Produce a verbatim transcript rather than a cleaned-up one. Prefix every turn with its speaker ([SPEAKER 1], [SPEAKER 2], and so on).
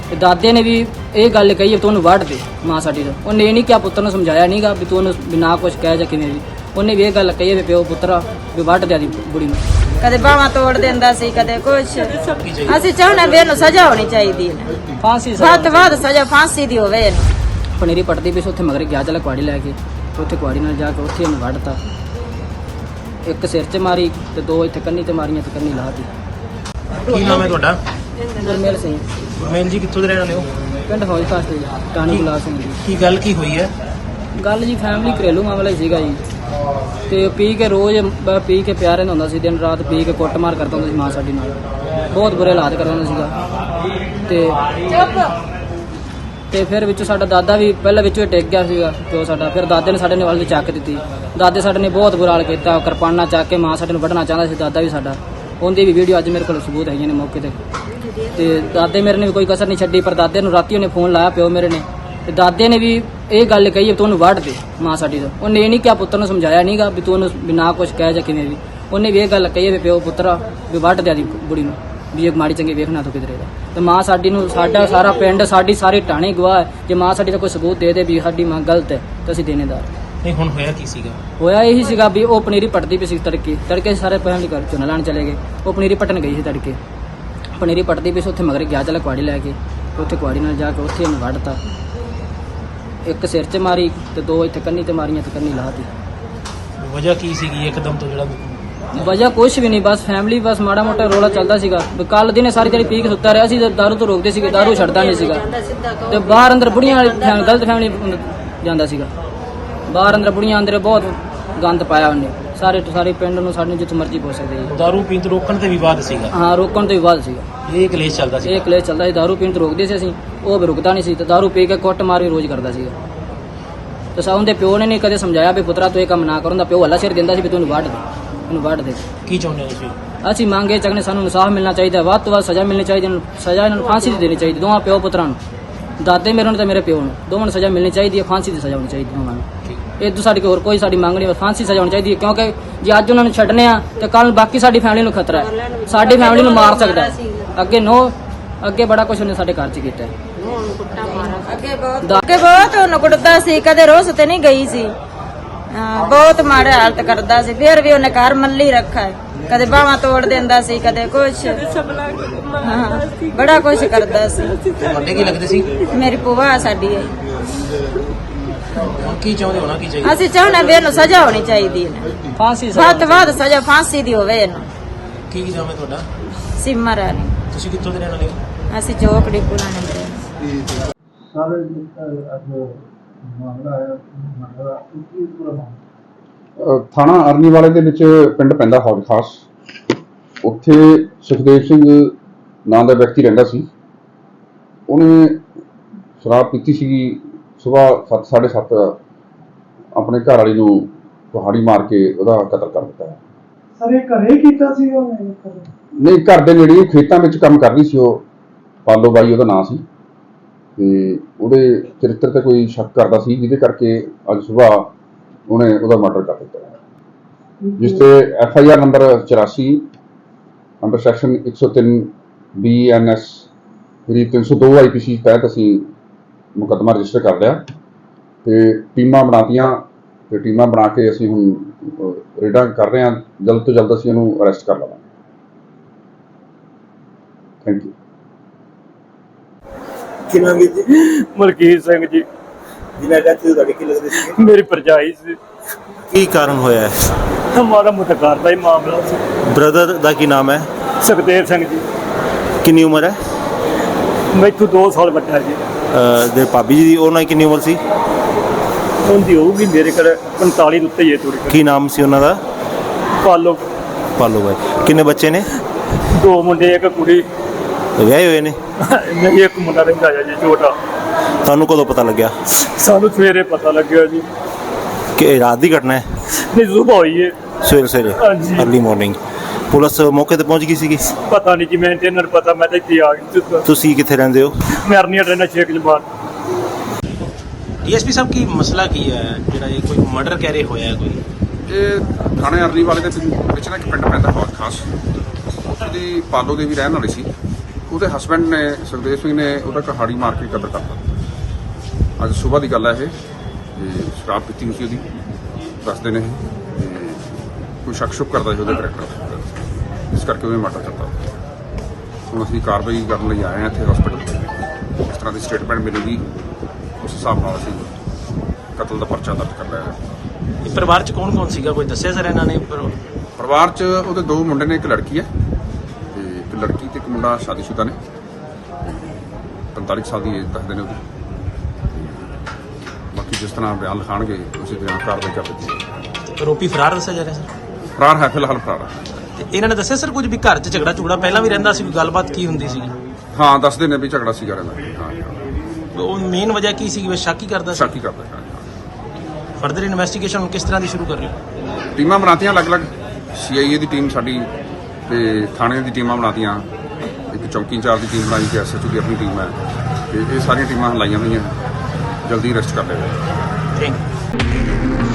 [SPEAKER 1] ਦਾਦੇ ਨੇ ਵੀ ਇਹ ਗੱਲ ਕਹੀ ਵੀ ਤੂੰ ਉਹਨੂੰ ਵੱਢ ਦੇ ਮਾਂ ਸਾਡੀ ਤੋਂ। ਉਹਨੇ ਇਹ ਨਹੀਂ ਕਿਹਾ, ਪੁੱਤਰ ਨੂੰ ਸਮਝਾਇਆ ਨਹੀਂਗਾ ਵੀ ਤੂੰ ਉਹਨੂੰ ਬਿਨਾ ਕੁਛ ਕਹਿ ਜਾਂ ਕਿਵੇਂ ਵੀ। ਉਹਨੇ ਵੀ ਇਹ ਗੱਲ ਕਹੀ ਵੀ ਪਿਓ ਪੁੱਤਰਾ ਵੀ ਵੱਢ ਦਿਆ ਦੀ ਬੁੜੀ ਨੂੰ।
[SPEAKER 2] ਕਦੇ ਬਾਹਾਂ ਤੋੜ ਦਿੰਦਾ ਸੀ, ਕਦੇ ਕੁਛ। ਅਸੀਂ ਚਾਹੁੰਦੇ ਵੀ ਇਹਨੂੰ ਸਜ਼ਾ ਹੋਣੀ ਚਾਹੀਦੀ ਹੈ,
[SPEAKER 1] ਫਾਂਸੀ
[SPEAKER 2] ਵੱਧ ਤੋਂ ਵੱਧ ਸਜ਼ਾ ਫਾਂਸੀ ਦੀ ਹੋਵੇ ਇਹਨੂੰ।
[SPEAKER 1] ਪਨੀਰੀ ਪੱਟਦੀ ਵੀ ਸੀ, ਉੱਥੇ ਮਗਰ ਗਿਆ ਚਲਾ ਕੁਆੜੀ ਲੈ ਕੇ, ਉੱਥੇ ਕੁਆੜੀ ਨਾਲ ਜਾ ਕੇ ਉੱਥੇ ਇਹਨੂੰ ਵੱਢਤਾ। ਇੱਕ ਸਿਰ 'ਚ ਮਾਰੀ ਤੇ ਦੋ ਇੱਥੇ ਕੰਨੀ ਤੇ ਮਾਰੀਆਂ ਤੇ ਕੰਨੀ ਲਾਤੀ।
[SPEAKER 3] ਕੀ ਨਾਮ ਹੈ ਤੁਹਾਡਾ?
[SPEAKER 1] ਗੁਰਮੇਲ ਸਿੰਘ।
[SPEAKER 3] ਗੁਰਮੇਲ ਜੀ ਕਿੱਥੋਂ ਦੇ ਰਹਿਣ ਵਾਲੇ ਹੋ?
[SPEAKER 1] ਪਿੰਡ ਹੌਜ ਖਾਸ ਤੇ ਟਾਣੀ ਗੁਲਾਬ ਸਿੰਘ ਜੀ।
[SPEAKER 3] ਕੀ ਗੱਲ ਕੀ ਹੋਈ ਹੈ?
[SPEAKER 1] ਗੱਲ ਜੀ ਫੈਮਿਲੀ ਘਰੇਲੂ ਮਾਮਲਾ ਹੀ ਸੀਗਾ ਜੀ। ਤੇ ਪੀ ਕੇ ਰੋਜ਼ ਬ- ਪੀ ਕੇ ਪਿਆ ਰਹਿੰਦਾ ਹੁੰਦਾ ਸੀ, ਦਿਨ ਰਾਤ ਪੀ ਕੇ ਕੁੱਟਮਾਰ ਕਰਦਾ ਹੁੰਦਾ ਸੀ ਮਾਂ ਸਾਡੀ ਨਾਲ, ਬਹੁਤ ਬੁਰੇ ਹਾਲਾਤ ਕਰਦਾ ਹੁੰਦਾ ਸੀਗਾ। ਤੇ ਤੇ ਫਿਰ ਵਿੱਚੋਂ ਸਾਡਾ ਦਾਦਾ ਵੀ ਪਹਿਲਾਂ ਵਿੱਚੋਂ ਹੀ ਟਿਕ ਗਿਆ ਸੀਗਾ ਪਿਓ ਸਾਡਾ। ਫਿਰ ਦਾਦੇ ਨੇ ਸਾਡੇ ਨੇ ਵੱਲ ਦੀ ਚੱਕ ਦਿੱਤੀ। ਦਾਦੇ ਸਾਡੇ ਨੇ ਬਹੁਤ ਬੁਰਾ ਹਾਲ ਕੀਤਾ, ਕਿਰਪਾਨਾਂ ਚੱਕ ਕੇ ਮਾਂ ਸਾਡੇ ਨੂੰ ਵੱਢਣਾ ਚਾਹੁੰਦਾ ਸੀ ਦਾਦਾ ਵੀ ਸਾਡਾ। ਉਹਦੀ ਵੀ ਵੀਡੀਓ ਅੱਜ ਮੇਰੇ ਕੋਲ ਸਬੂਤ ਹੈਗੀਆਂ ਨੇ ਮੌਕੇ ਤੇ। ਤੇ ਦਾਦੇ ਮੇਰੇ ਨੇ ਵੀ ਕੋਈ ਕਸਰ ਨਹੀਂ ਛੱਡੀ, ਪਰ ਦਾਦੇ ਨੂੰ ਰਾਤੀ ਉਹਨੇ ਫੋਨ ਲਾਇਆ ਪਿਓ ਮੇਰੇ ਨੇ, ਤੇ ਦਾਦੇ ਨੇ ਵੀ ਇਹ ਗੱਲ ਕਹੀ ਵੀ ਤੂੰ ਉਹਨੂੰ ਵੱਢ ਦੇ ਮਾਂ ਸਾਡੀ ਤੋਂ। ਉਹਨੇ ਇਹ ਨਹੀਂ ਕਿਹਾ, ਪੁੱਤਰ ਨੂੰ ਸਮਝਾਇਆ ਨਹੀਂਗਾ ਵੀ ਤੂੰ ਉਹਨੂੰ ਬਿਨਾ ਕੁਛ ਕਹਿ ਜਾਂ ਕਿਵੇਂ ਵੀ। ਉਹਨੇ ਵੀ ਇਹ ਗੱਲ ਕਹੀ ਵੀ ਪਿਓ ਪੁੱਤਰਾ ਵੀ ਵੱਢ ਦਿਆ ਦੀ ਬੁੜੀ ਨੂੰ, ਵੀ ਇਹ ਮਾੜੀ ਚੰਗੀ ਵੇਖਣਾ ਤੂੰ ਕਿਧਰੇ ਦਾ। ਤੇ ਮਾਂ ਸਾਡੀ ਨੂੰ, ਸਾਡਾ ਸਾਰਾ ਪਿੰਡ, ਸਾਡੀ ਸਾਰੀ ਟਾਣੀ ਗਵਾਹ ਹੈ। ਜੇ ਮਾਂ ਸਾਡੀ ਦਾ ਕੋਈ ਸਬੂਤ ਦੇ ਦੇ ਵੀ ਸਾਡੀ ਮਾਂ ਗਲਤ ਹੈ ਤਾਂ ਅਸੀਂ ਦੇਣੇਦਾਰ।
[SPEAKER 3] ਨਹੀਂ ਹੁਣ ਹੋਇਆ ਕੀ ਸੀਗਾ?
[SPEAKER 1] ਹੋਇਆ ਇਹੀ ਸੀਗਾ ਵੀ ਉਹ ਪਨੀਰੀ ਪੱਟਦੀ ਪਈ ਸੀ ਤੜਕੇ ਤੜਕੇ ਸਾਰੇ ਫੈਮਿਲੀ ਘਰ ਝੋਨਾ ਲਾਉਣ ਚਲੇ ਗਏ। ਉਹ ਪਨੀਰੀ ਪੱਟਣ ਗਈ ਸੀ ਤੜਕੇ, ਪਨੀਰੀ ਪੱਟਦੀ ਪਈ ਸੀ, ਉੱਥੇ ਮਗਰ ਗਿਆ ਚਲਾ ਕੁਆੜੀ ਲੈ ਕੇ, ਉੱਥੇ ਕੁਆੜੀ ਨਾਲ ਜਾ ਕੇ ਉੱਥੇ ਇਹਨੂੰ ਵੱਢਤਾ। ਇੱਕ ਸਿਰ 'ਚ ਮਾਰੀ ਤੇ ਦੋ ਇੱਥੇ ਕੰਨੀ ਤੇ ਮਾਰੀਆਂ ਤੇ ਕੰਨੀ ਲਾਤੀ।
[SPEAKER 3] ਵਜ੍ਹਾ ਕੀ ਸੀਗੀ ਇੱਕਦਮ ਤੋਂ ਜਿਹੜਾ?
[SPEAKER 1] ਵਜ੍ਹਾ ਕੁਛ ਵੀ ਨਹੀਂ, ਬਸ ਫੈਮਿਲੀ, ਬਸ ਮਾੜਾ ਮੋਟਾ ਰੋਲਾ ਚੱਲਦਾ ਸੀਗਾ। ਕੱਲ ਦਿਨੇ ਸਾਰੀ ਦਿਹਾੜੀ ਪੀ ਕੇ ਸੁੱਤਾ ਰਿਹਾ ਸੀ, ਦਾਰੂ ਤੋਂ ਰੋਕਦੇ ਸੀਗੇ, ਦਾਰੂ ਛੱਡਦਾ ਨਹੀਂ ਸੀਗਾ। ਤੇ ਬਾਹਰ ਅੰਦਰ ਬੁੜੀਆਂ ਵਾਲੀ ਫੈਮ- ਗਲਤ ਫੈਮਿਲੀ ਜਾਂਦਾ ਸੀਗਾ। ਬਾਹਰ ਅੰਦਰ ਬੁੜੀਆਂ ਅੰਦਰ ਬਹੁਤ ਗੰਦ ਪਾਇਆ ਉਹਨੇ, ਸਾਰੇ ਸਾਰੇ ਪਿੰਡ ਨੂੰ, ਸਾਡੇ ਜਿੱਥੇ ਮਰਜ਼ੀ ਪਹੁੰਚ ਸਕਦੇ ਜੀ।
[SPEAKER 3] ਦਾਰੂ ਪੀਣ ਤੋਂ ਰੋਕਣ ਤੇ ਵਿਵਾਦ ਸੀਗਾ?
[SPEAKER 1] ਹਾਂ, ਰੋਕਣ ਤੋਂ ਵੀ ਬਾਅਦ ਸੀਗਾ
[SPEAKER 3] ਇਹ ਕਲੇਸ਼ ਚੱਲਦਾ ਸੀ?
[SPEAKER 1] ਇਹ ਕਲੇਸ਼ ਚੱਲਦਾ ਸੀ। ਦਾਰੂ ਪੀਣ ਤੋਂ ਰੋਕਦੇ ਸੀ ਅਸੀਂ, ਉਹ ਵੀ ਰੁਕਦਾ ਨਹੀਂ ਸੀ, ਤੇ ਦਾਰੂ ਪੀ ਕੇ ਕੁੱਟ ਮਾਰ ਵੀ ਰੋਜ਼ ਕਰਦਾ ਸੀਗਾ। ਤੇ ਸਾ ਉਹਦੇ ਪਿਓ ਨੇ ਨਹੀਂ ਕਦੇ ਸਮਝਾਇਆ ਵੀ ਪੁੱਤਰਾ ਤੂੰ ਇਹ ਕੰਮ ਨਾ ਕਰਨ ਦਾ। ਪਿਓ ਹੱਲਾ ਸਿਰ ਦਿੰਦਾ ਸੀ ਵੀ ਤੂੰ ਇਹਨੂੰ ਵੱਢ ਦੇ, ਇਹਨੂੰ ਵੱਢ ਦੇ।
[SPEAKER 3] ਕੀ ਚਾਹੁੰਦੇ ਹੋ ਤੁਸੀਂ?
[SPEAKER 1] ਅਸੀਂ ਮੰਗੇ ਚੱਕਨੇ, ਸਾਨੂੰ ਇਨਸਾਫ ਮਿਲਣਾ ਚਾਹੀਦਾ, ਵੱਧ ਤੋਂ ਵੱਧ ਸਜ਼ਾ ਮਿਲਣੀ ਚਾਹੀਦੀ, ਇਹਨੂੰ ਸਜ਼ਾ ਇਹਨਾਂ ਨੂੰ ਫਾਂਸੀ ਦੀ ਦੇਣੀ ਚਾਹੀਦੀ, ਦੋਵਾਂ ਪਿਓ ਪੁੱਤਰਾਂ ਨੂੰ, ਦਾਦੇ ਮੇਰੇ ਨੂੰ ਤੇ ਮੇਰੇ ਪਿਓ ਨੂੰ, ਦੋਵਾਂ ਨੂੰ ਸਜ਼ਾ ਮਿਲਣੀ ਚਾਹੀਦੀ ਹੈ, ਫਾਂਸੀ ਦੀ ਸਜ਼ਾ ਹੋਣੀ ਚਾਹੀਦੀ ਦੋਵਾਂ ਨੂੰ। ਇਹ ਤੋਂ ਸਾਡੀ ਹੋਰ ਕੋਈ ਸਾਡੀ ਮੰਗ ਨਹੀਂ, ਫਾਂਸੀ ਸਜ਼ਾ ਹੋਣੀ ਚਾਹੀਦੀ ਹੈ। ਕਿਉਂਕਿ ਜੇ ਅੱਜ ਉਹਨਾਂ ਨੂੰ ਛੱਡਨੇ ਆ ਤੇ ਕੱਲ ਬਾਕੀ ਸਾਡੀ ਫੈਮਿਲੀ ਨੂੰ ਖਤਰਾ ਹੈ, ਸਾਡੀ ਫੈਮਿਲੀ ਨੂੰ ਮਾਰ ਸਕਦਾ ਹੈ। ਅੱਗੇ ਨੋ ਅੱਗੇ ਬੜਾ ਕੁਝ ਉਹਨੇ ਸਾਡੇ ਘਰ 'ਚ ਕੀਤਾ ਹੈ।
[SPEAKER 2] ਅੱਗੇ ਬਹੁਤ ਅੱਗੇ ਬਹੁਤ ਉਹਨੂੰ ਕੁੱਟਦਾ ਸੀ, ਕਦੇ ਰੋਸ ਤੇ ਨਹੀਂ ਗਈ ਸੀ। ਹਾਂ, ਬਹੁਤ ਮਾੜੇ ਹਾਲਤ ਕਰਦਾ ਸੀ। ਫਿਰ ਵੀ ਉਹਨੇ ਘਰ ਮੱਲੀ ਰੱਖਾ ਹੈ, ਕਦੇ ਬਾਹਾਂ ਤੋੜ ਦਿੰਦਾ ਸੀ, ਕਦੇ ਕੁਛ। ਹਾਂ, ਬੜਾ ਕੁਛ ਕਰਦਾ ਸੀ।
[SPEAKER 3] ਤੁਹਾਡੇ ਕੀ ਲੱਗਦੇ ਸੀ?
[SPEAKER 2] ਮੇਰੀ ਭੂਆ ਸਾਡੀ ਹੈ।
[SPEAKER 3] ਹੁਣ ਕੀ ਚਾਹੁੰਦੇ ਹੋ? ਨਾ ਕੀ ਚਾਹੀਦਾ?
[SPEAKER 2] ਅਸੀਂ ਚਾਹੁੰਦੇ ਵੀ ਇਹਨੂੰ ਸਜ਼ਾ ਹੋਣੀ ਚਾਹੀਦੀ ਹੈ,
[SPEAKER 1] ਫਾਂਸੀ
[SPEAKER 2] ਵੱਧ ਤੋਂ ਵੱਧ ਸਜ਼ਾ ਫਾਂਸੀ ਦੀ ਹੋਵੇ ਇਹਨੂੰ।
[SPEAKER 3] ਕੀ ਨਾਮ ਹੈ ਤੁਹਾਡਾ?
[SPEAKER 2] ਸਿਮਰ ਰਾਣੀ।
[SPEAKER 3] ਤੁਸੀਂ ਕਿੱਥੋਂ ਦੇ ਰਹਿਣ ਵਾਲੇ ਹੋ?
[SPEAKER 2] ਅਸੀਂ ਚੌਕੜੀ ਪੁਰਾਣੇ ਦੇ।
[SPEAKER 4] ਸਾਰੇ ਅੱਜ ਮਾਮਲਾ ਆਇਆ ਮਾਮਲਾ ਕੀ ਪੂਰਾ ਮਾਮਲਾ?
[SPEAKER 5] ਅਹ ਥਾਣਾ ਅਰਨੀ ਵਾਲੇ ਦੇ ਵਿੱਚ ਪਿੰਡ ਪੈਂਦਾ ਹੌਜ ਖਾਸ। ਉੱਥੇ ਸੁਖਦੇਵ ਸਿੰਘ ਨਾਂ ਦਾ ਵਿਅਕਤੀ ਰਹਿੰਦਾ ਸੀ। ਉਹਨੇ ਸ਼ਰਾਬ ਪੀਤੀ ਸੀਗੀ, ਸੁਬਾਹ ਸੱਤ ਸਾਢੇ ਸੱਤ ਆਪਣੇ ਘਰ ਵਾਲੀ ਨੂੰ ਕੁਹਾੜੀ ਮਾਰ ਕੇ ਉਹਦਾ ਕਤਲ ਕਰ ਦਿੱਤਾ।
[SPEAKER 4] ਸਰ ਇਹ ਘਰੇ ਕੀਤਾ ਸੀ ਉਹਨੇ?
[SPEAKER 5] ਨਹੀਂ, ਘਰ ਦੇ ਨੇੜੇ ਖੇਤਾਂ ਵਿੱਚ ਕੰਮ ਕਰਦੀ ਸੀ ਉਹ, ਪਾਲੋ ਬਾਈ ਉਹਦਾ ਨਾਂ ਸੀ। ਤੇ ਉਹਦੇ ਚਰਿੱਤਰ ਤੇ ਕੋਈ ਸ਼ੱਕ ਕਰਦਾ ਸੀ, ਜਿਹਦੇ ਕਰਕੇ ਅੱਜ ਸੁਬਾਹ ਉਹਨੇ ਉਹਦਾ ਮਰਡਰ ਕਰ ਦਿੱਤਾ, ਜਿਸ ਤੇ ਐਫ ਆਈ ਆਰ ਨੰਬਰ ਚੁਰਾਸੀ ਅੰਡਰ ਸੈਕਸ਼ਨ ਇੱਕ ਸੌ ਤਿੰਨ ਬੀ ਐਨ ਐਸ ਤਿੰਨ ਸੌ ਦੋ ਆਈ ਪੀ ਸੀ ਤਹਿਤ ਅਸੀਂ ਮੁਕੱਦਮਾ ਰਜਿਸਟਰ ਕਰ ਲਿਆ ਤੇ ਟੀਮਾਂ ਬਣਾਤੀਆਂ। ਤੇ ਟੀਮਾਂ ਬਣਾ ਕੇ ਅਸੀਂ ਹੁਣ ਰੇਡਾਂ ਕਰ ਰਹੇ ਹਾਂ, ਜਲਦ ਤੋਂ ਜਲਦ ਅਸੀਂ ਇਹਨੂੰ ਅਰੈਸਟ ਕਰ ਲਵਾਂਗੇ। Thank you.
[SPEAKER 6] ਕੀ ਨਾਮ ਜੀ?
[SPEAKER 7] ਮਲਕੀਤ ਸਿੰਘ ਜੀ।
[SPEAKER 6] ਜਿਨ੍ਹਾਂ ਦਾ ਤੁਹਾਡੇ ਕੀ ਲੱਗਦੇ ਸੀ?
[SPEAKER 7] ਮੇਰੀ ਭਰਜਾਈ ਸੀ।
[SPEAKER 6] ਕੀ ਕਾਰਨ ਹੋਇਆ ਹੈ?
[SPEAKER 7] ਮਾੜਾ ਮੋਟਾ ਘਰ ਦਾ ਹੀ ਮਾਮਲਾ ਸੀ।
[SPEAKER 6] ਬ੍ਰਦਰ ਦਾ ਕੀ ਨਾਮ ਹੈ?
[SPEAKER 7] ਸੁਖਦੇਵ ਸਿੰਘ ਜੀ।
[SPEAKER 6] ਕਿੰਨੀ ਉਮਰ ਹੈ?
[SPEAKER 7] ਮੈਥੋਂ ਦੋ ਸਾਲ ਵੱਡਾ ਜੀ।
[SPEAKER 6] ਅਹ ਦੇ ਭਾਬੀ ਜੀ ਦੀ ਉਹਨਾਂ ਦੀ ਕਿੰਨੀ ਉਮਰ ਸੀ?
[SPEAKER 7] ਉਹਦੀ ਹੋਊਗੀ ਮੇਰੇ ਕੋਲ ਪੰਤਾਲੀ ਦੇ ਉੱਤੇ ਹੀ ਹੈ ਥੋੜੀ।
[SPEAKER 6] ਕੀ ਨਾਮ ਸੀ ਉਹਨਾਂ ਦਾ?
[SPEAKER 7] ਪਾਲੋ।
[SPEAKER 6] ਪਾਲੋ ਬਾਈ। ਕਿੰਨੇ ਬੱਚੇ ਨੇ?
[SPEAKER 7] ਦੋ ਮੁੰਡੇ ਇੱਕ ਕੁੜੀ।
[SPEAKER 6] ਵਿਆਹੇ ਹੋਏ ਨੇ?
[SPEAKER 7] ਨਹੀਂ, ਇੱਕ ਮੁੰਡਾ ਰਹਿੰਦਾ ਜੀ ਛੋਟਾ।
[SPEAKER 6] ਤੁਹਾਨੂੰ ਕਦੋਂ ਪਤਾ ਲੱਗਿਆ?
[SPEAKER 7] ਸਾਨੂੰ ਸਵੇਰੇ ਪਤਾ ਲੱਗਿਆ ਜੀ।
[SPEAKER 6] ਕਿ ਇਹ ਰਾਤ ਦੀ ਘਟਨਾ ਹੈ?
[SPEAKER 7] ਨਹੀਂ, ਸੁਬਹ ਹੋਈ ਹੈ।
[SPEAKER 6] ਸਵੇਰੇ ਸਵੇਰੇ
[SPEAKER 7] ਹਾਂਜੀ।
[SPEAKER 6] Early morning. ਪੁਲਿਸ ਮੌਕੇ ਤੇ ਪਹੁੰਚ ਗਈ ਸੀਗੀ?
[SPEAKER 7] ਪਤਾ ਨਹੀਂ ਜੀ, ਮੈਨੂੰ ਤੇ ਇਹਨਾਂ ਨੂੰ ਪਤਾ, ਮੈਂ ਤਾਂ ਇੱਥੇ ਆ ਗਈ।
[SPEAKER 6] ਤੁਸੀਂ ਕਿੱਥੇ ਰਹਿੰਦੇ ਹੋ?
[SPEAKER 7] ਮੈਂ ਅਰਨੀਆ ਰਹਿਣਾ ਸ਼ੇਖ ਜਮਾਨ।
[SPEAKER 3] ਡੀਐਸਪੀ ਸਾਹਿਬ ਕੀ ਮਸਲਾ ਕੀ ਹੈ ਜਿਹੜਾ ਇਹ ਕੋਈ ਮਰਡਰ ਕਹਿ ਰਹੇ ਹੋਇਆ ਕੋਈ?
[SPEAKER 8] ਇਹ ਥਾਣੇ ਅਰਲੀ ਵਾਲੇ ਦੇ ਵਿੱਚ ਨਾ ਇੱਕ ਪਿੰਡ ਪੈਂਦਾ ਹੌਜ ਖਾਸ, ਉਹਦੀ ਪਾਲੋ ਦੇ ਵੀ ਰਹਿਣ ਵਾਲੇ ਸੀ। ਉਹਦੇ ਹਸਬੰਡ ਨੇ ਸੁਖਦੇਵ ਸਿੰਘ ਨੇ ਉਹਦਾ ਕਹਾੜੀ ਮਾਰ ਕੇ ਕਤਲ ਕਰਤਾ। ਅੱਜ ਸਵੇਰ ਦੀ ਗੱਲ ਹੈ ਇਹ ਤੇ ਸ਼ਰਾਬ ਪੀਤੀ ਹੋਈ ਸੀ ਉਹਦੀ, ਦੱਸਦੇ ਨੇ ਇਹ ਤੇ ਕੋਈ ਸ਼ੱਕ ਸ਼ੁਕ ਕਰਦਾ ਸੀ ਉਹਦੇ ਕਰੈਕਟਰ, ਇਸ ਕਰਕੇ ਉਹਨੇ ਮਰਡਰ ਕਰਤਾ। ਹੁਣ ਅਸੀਂ ਕਾਰਵਾਈ ਕਰਨ ਲਈ ਆਏ ਹਾਂ ਇੱਥੇ ਹਸਪੀਟਲ। ਇਸ ਤਰ੍ਹਾਂ ਦੀ ਸਟੇਟਮੈਂਟ ਮਿਲੇਗੀ, ਉਸ ਹਿਸਾਬ ਨਾਲ ਅਸੀਂ ਕਤਲ ਦਾ ਪਰਚਾ ਦਰਜ ਕਰ ਲਿਆ ਹੈ।
[SPEAKER 3] ਇਹ ਪਰਿਵਾਰ ਚ ਕੌਣ ਕੌਣ ਸੀਗਾ, ਕੋਈ ਦੱਸਿਆ ਸਰ ਇਹਨਾਂ ਨੇ? ਪਰ-
[SPEAKER 8] ਪਰਿਵਾਰ 'ਚ ਉਹਦੇ ਦੋ ਮੁੰਡੇ ਨੇ, ਇੱਕ ਲੜਕੀ ਹੈ ਤੇ ਇੱਕ ਲੜਕੀ ਤੇ ਇੱਕ ਮੁੰਡਾ ਸ਼ਾਦੀशुदा ਨੇ। ਪੰਤਾਲੀ ਸਾਲ ਦੀ ਏਜ ਦੱਸਦੇ ਨੇ ਉਹਦੀ। ਬਾਕੀ ਜਿਸ ਤਰ੍ਹਾਂ ਬਿਆਨ ਲਿਖਾਣਗੇ ਉਸੇ ਤਰ੍ਹਾਂ ਕਾਰਵਾਈ ਕਰ ਦਿੱਤੀ ਜਾਏਗੀ।
[SPEAKER 3] ਆਰੋਪੀ ਫਰਾਰ ਦੱਸਿਆ ਜਾ ਰਿਹਾ ਸਰ?
[SPEAKER 8] ਫਰਾਰ ਹੈ, ਫਿਲਹਾਲ ਫਰਾਰ ਹੈ।
[SPEAKER 3] ਤੇ ਇਹਨਾਂ ਨੇ ਦੱਸਿਆ ਸਰ ਕੁਝ ਵੀ ਘਰ 'ਚ ਝਗੜਾ ਝੁਗੜਾ ਪਹਿਲਾਂ ਵੀ ਰਹਿੰਦਾ ਸੀ, ਕੋਈ ਗੱਲਬਾਤ ਕੀ ਹੁੰਦੀ ਸੀ?
[SPEAKER 8] ਹਾਂ, ਦੱਸਦੇ ਨੇ ਵੀ ਝਗੜਾ ਸੀਗਾ ਰਹਿੰਦਾ। ਹਾਂ ਹਾਂ,
[SPEAKER 3] ਉਹ ਮੇਨ ਵਜ੍ਹਾ ਕੀ ਸੀ? ਵੀ ਸ਼ੱਕ ਹੀ ਕਰਦਾ ਸੀ?
[SPEAKER 8] ਸ਼ੱਕ ਹੀ ਕਰਦਾ ਹੈ।
[SPEAKER 3] ਫਰਦਰ ਇਨਵੈਸਟੀਗੇਸ਼ਨ ਹੁਣ ਕਿਸ ਤਰ੍ਹਾਂ ਦੀ ਸ਼ੁਰੂ ਕਰ ਰਹੇ ਹੋ?
[SPEAKER 8] ਟੀਮਾਂ ਬਣਾਤੀਆਂ ਅਲੱਗ-ਅਲੱਗ, ਸੀ ਆਈ ਏ ਦੀ ਟੀਮ ਸਾਡੀ ਤੇ ਥਾਣੇ ਦੀ ਟੀਮਾਂ ਬਣਾਤੀਆਂ, ਇੱਕ ਚੌਂਕੀ ਇੰਚਾਰਜ ਦੀ ਟੀਮ ਬਣਾਈ ਤੇ ਐਸ ਐਚ ਓ ਦੀ ਆਪਣੀ ਟੀਮ ਹੈ ਤੇ ਇਹ ਸਾਰੀਆਂ ਟੀਮਾਂ ਲਾਈਆਂ ਹੋਈਆਂ, ਜਲਦੀ ਅਰੈਸਟ ਕਰ ਲਿਆ ਜਾਏਗਾ।
[SPEAKER 3] Thank you.